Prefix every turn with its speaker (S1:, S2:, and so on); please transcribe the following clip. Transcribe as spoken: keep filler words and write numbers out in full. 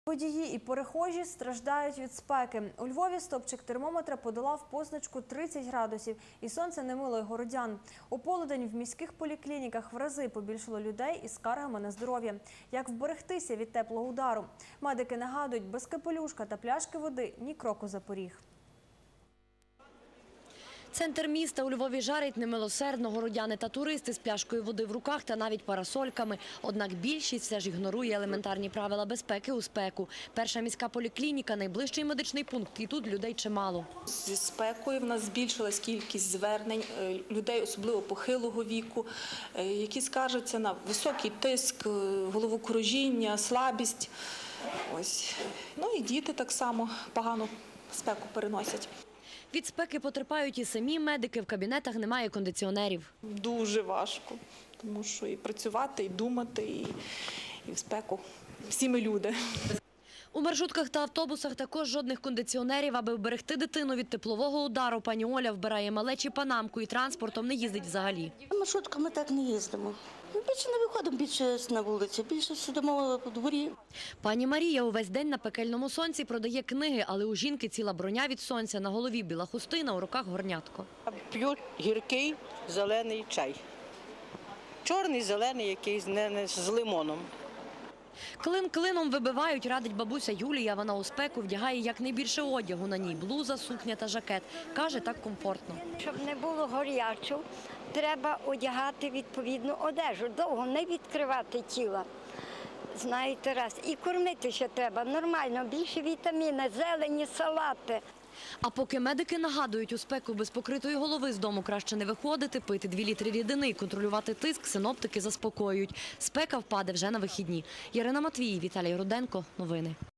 S1: Водії і перехожі страждають від спеки. У Львові стопчик термометра подолав позначку тридцять градусів, і сонце не мило й городян. У полудень в міських поліклініках в рази побільшало людей із скаргами на здоров'я. Як вберегтися від теплого удару? Медики нагадують, без капелюшка та пляшки води ні кроку за поріг.
S2: Центр міста у Львові жарить немилосердно. Городяни та туристи з пляшкою води в руках та навіть парасольками. Однак більшість все ж ігнорує елементарні правила безпеки у спеку. Перша міська поліклініка – найближчий медичний пункт, і тут людей чимало.
S3: Зі спекою в нас збільшилась кількість звернень людей, особливо похилого віку, які скаржаться на високий тиск, головокружіння, слабість. Ось. Ну і діти так само погано спеку переносять.
S2: Від спеки потерпають і самі медики, в кабінетах немає кондиціонерів.
S3: Дуже важко, тому що і працювати, і думати, і, і в спеку. Всі ми люди.
S2: У маршрутках та автобусах також жодних кондиціонерів. Аби вберегти дитину від теплового удару, пані Оля вбирає малечі панамку і транспортом не їздить взагалі.
S4: Маршрутками так не їздимо. Ми більше не виходимо більше на вулицю, більше сидимо у дворі.
S2: Пані Марія увесь день на пекельному сонці продає книги, але у жінки ціла броня від сонця, на голові біла хустина, у руках горнятко.
S5: П'ю гіркий зелений чай. Чорний, зелений якийсь, не з лимоном.
S2: Клин клином вибивають, радить бабуся Юлія. Вона у спеку вдягає якнайбільше одягу. На ній блуза, сукня та жакет. Каже, так комфортно.
S6: Щоб не було горячо, треба одягати відповідну одежу. Довго не відкривати тіла. Знаєте, раз. І кормити ще треба нормально, більше вітаміни, зелені, салати.
S2: А поки медики нагадують, у спеку без покритої голови з дому краще не виходити, пити дві літри рідини і контролювати тиск, синоптики заспокоюють. Спека впаде вже на вихідні. Ярина Матвій, Віталій Руденко. Новини.